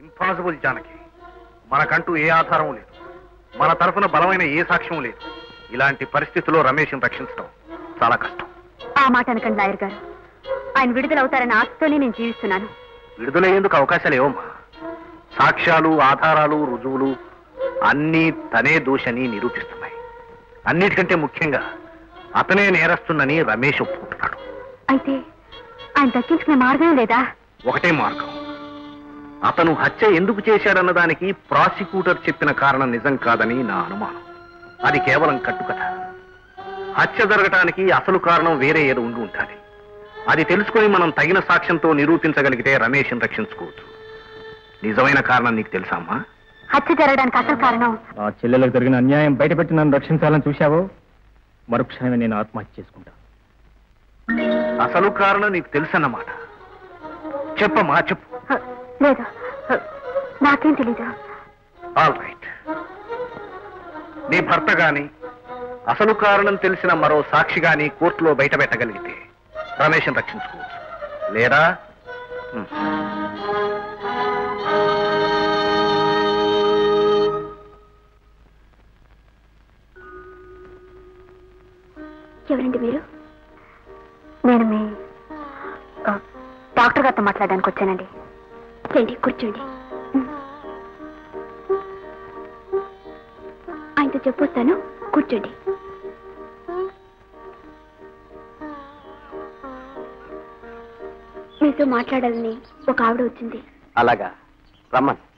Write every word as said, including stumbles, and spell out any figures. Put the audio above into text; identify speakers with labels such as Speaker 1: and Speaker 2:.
Speaker 1: Impossible Janaki. మనకంటూ ఏ ఆధారం లేదు, మన తరఫున బలమైన ఏ సాక్ష్యం లేదు. ఇలాంటి పరిస్థితుల్లో రమేష్ని రక్షించడం చాలా కష్టం.
Speaker 2: ఆ మాట అనకండి లాయర్ గారు. ఆయన విడుదలవుతారన్న ఆశతోనే నేను జీవిస్తున్నాను.
Speaker 1: విడుదలయ్యేందుకు అవకాశాలు ఏవమ్మా? సాక్ష్యాలు, ఆధారాలు, రుజువులు అన్నీ తనే దోషని నిరూపిస్తున్నాయి. అన్నిటికంటే ముఖ్యంగా అతనే నేరస్తున్నని రమేష్ ఒప్పుకుంటున్నాడు.
Speaker 2: అయితే ఆయన దక్కించుకునే మార్గం లేదా?
Speaker 1: ఒకటే మార్గం. అతను హత్య ఎందుకు చేశాడన్న దానికి ప్రాసిక్యూటర్ చెప్పిన కారణం నిజం కాదని నా అనుమానం. అది కేవలం కట్టుకథ. హత్య జరగటానికి అసలు కారణం వేరే ఏదో ఉండి ఉండాలి. అది తెలుసుకుని మనం తగిన సాక్ష్యంతో నిరూపించగలిగితే రమేష్ని రక్షించుకోవచ్చు. నిజమైన కారణం నీకు తెలుసా అమ్మా?
Speaker 2: హత్య జరగడానికి అసలు కారణం
Speaker 3: ఆ చెల్లెలకు జరిగిన అన్యాయం బయటపెట్టి నన్ను రక్షించాలని చూశావో మరుక్షణమే నేను ఆత్మహత్య చేసుకుంటా.
Speaker 1: అసలు కారణం నీకు తెలుసన్నమాట. చెప్పమ్మా, చెప్పు.
Speaker 2: లేదు, నాకేం తెలీదు.
Speaker 1: All right. నీ భర్త గాని అసలు కారణం తెలిసిన మరో సాక్షి గాని కోర్టులో బయట పెట్టగలిగితే రమేష్ని రక్షించుకోవచ్చు. లేదా
Speaker 2: ఎవరండి మీరు? నేను మీ డాక్టర్ గారితో మాట్లాడడానికి వచ్చానండి. రండి, కూర్చోండి. ఆయనతో చెప్పొస్తాను, కూర్చోండి. మీతో మాట్లాడాలని ఒక ఆవిడ వచ్చింది.
Speaker 1: అలాగా, రమ్మని.